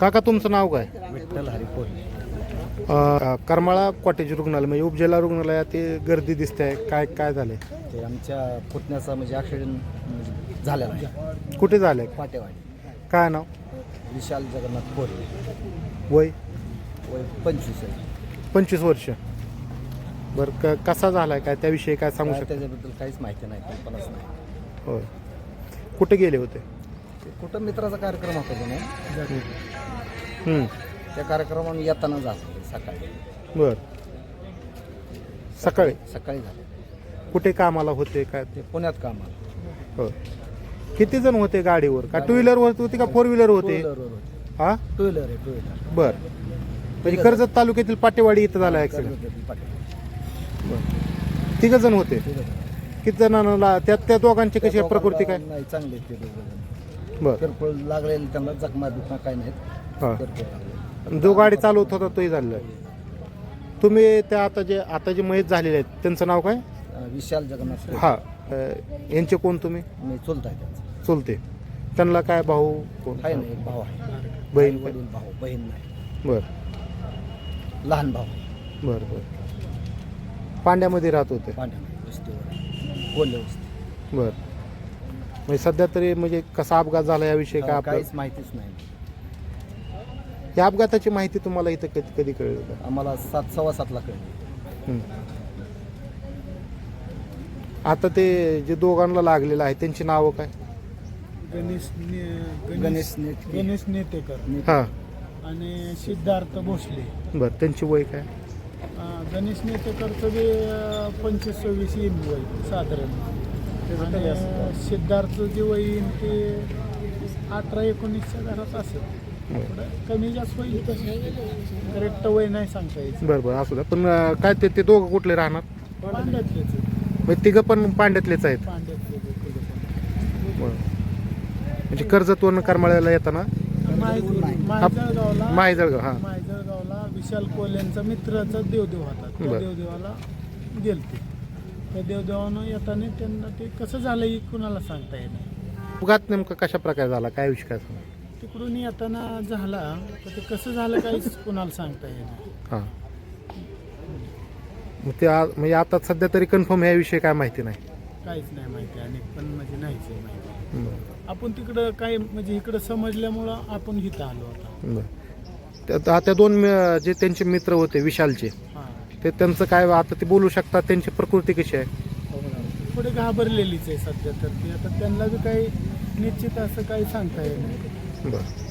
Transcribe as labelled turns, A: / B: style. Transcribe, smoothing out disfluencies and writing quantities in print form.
A: काका तुमचं नाव काय?
B: विठ्ठल हरिपोल.
A: करमाळा कॉटेज रुग्णालय म्हणजे उपजिल्हा रुग्णालयात ते गर्दी दिसते आहे, काय काय झाले?
B: ते आमच्या पुतण्याचा म्हणजे ॲक्सिडेंट झालेला आहे.
A: कुठे झाले?
B: पाटेवाडी.
A: काय नाव?
B: विशाल जगन्नाथ कोरे.
A: वय
B: वय 25 आहे.
A: 25 वर्ष. बरं कसा झालाय काय त्याविषयी काय सांगू शकता?
B: त्याच्याबद्दल काहीच माहिती नाही, कल्पनाच नाही.
A: होय. कुठे गेले होते?
B: ते कुठं मित्राचा कार्यक्रम होता की नाही,
A: हं.
B: त्या कार्यक्रमाला येताना झालं सकाळी.
A: बरं. सकाळी
B: सकाळी झालं.
A: कुठे कामाला होते काय?
B: ते पुण्यात कामाला.
A: हो. किती जण होते गाडीवर? का टू व्हीलर होती का फोर व्हीलर होते? हा,
B: टू व्हीलर आहे, टू व्हीलर.
A: बर. म्हणजे कर्जत तालुक्यातील पाटेवाडी इथं झाला ऍक्सिडेंट. तिघ जण होते. किती जणांना त्या दोघांची कशी आहे प्रकृती काय?
B: नाही, चांगले ते दोघं.
A: बर.
B: किरकोळ लागलेले त्यांना जखमा दुखमा काही नाहीत.
A: हा.
B: किरकोळ लागले.
A: जो गाडी चालवत होता तोही झालेला आहे. तुम्ही त्या आता जे मयत झालेले आहेत त्यांचं नाव काय?
B: विशाल जगन्नाथ कोरे.
A: हा. यांचे कोण तुम्ही?
B: मी चुलत आहे त्यांचा.
A: चुलते. त्यांना काय भाऊ कोण?
B: आहे ना, एक भाऊ आहे.
A: बहीण?
B: वडील भाऊ, बहीण नाही.
A: बर
B: लहान भाऊ.
A: बर बर. पांड्यामध्ये राहत होते.
B: पांढऱ्या वस्तीवर, कोल्हे वस्ती.
A: बर. म्हणजे सध्या तरी म्हणजे कसा अपघात झाला याविषयी काय आपल्याला?
B: काहीच माहितीच नाही.
A: या अपघाताची माहिती तुम्हाला इथं कधी कळली का?
B: आम्हाला 7:15 कळली.
A: हं. आता ते जे दोघांना लागलेलं आहे त्यांची नावं काय?
B: गणेश
C: गणेश नेतेकर
A: हां.
C: आणि सिद्धार्थ भोसले.
A: बरं. त्यांची वय काय?
C: गणेश नेतेकरचं बी 25-26 येईन वय साधारण. आणि सिद्धार्थचं जे वय येईन ते 18-19च्या घरात असेल. थोडं कमी जास्त होईल, करेक्ट वय नाही सांगता यायचं.
A: बरं बरं असू द्या. पण काय ते दोघं कुठले राहणार?
C: पांड्यातलेच
A: म्हणजे तिघं पण पांड्यातलेच आहेत.
C: पांड्यातले
A: बरं. म्हणजे कर्जतवरून करमाळ्याला येताना
C: मायजळगावला
A: माहीजळगाव. हां.
C: मायजळगावला विशाल कोल्यांचा मित्राचा देवदेव होता. त्या
A: बरं.
C: देवदेवाला गेलते. त्या देवदेवानं येताना त्यांना ते कसं झालं हे कुणाला सांगता येणार.
A: अपघात नेमका कशा प्रकारे झाला काय विषय काय सांगा?
C: तिकडून येताना झाला तर ते कसं झालं काहीच कुणाला सांगता येणार.
A: हां. मग ते म्हणजे आता सध्या तरी कन्फर्म याविषयी काय माहिती नाही.
C: काहीच नाही माहिती आणि पण म्हणजे नाहीच आहे माहिती.
A: बरं.
C: आपण तिकडं काय म्हणजे इकडं समजल्यामुळं आपण इथं आलो होता.
A: बरं. त्या दोन जे त्यांचे मित्र होते विशालचे,
C: हां.
A: ते त्यांचं काय आता ते बोलू शकतात? त्यांची प्रकृती कशी आहे?
C: थोडे घाबरलेलीच आहे सध्या तर. ती आता त्यांना बी काही निश्चित असं काही सांगता येत नाही.
A: बरं.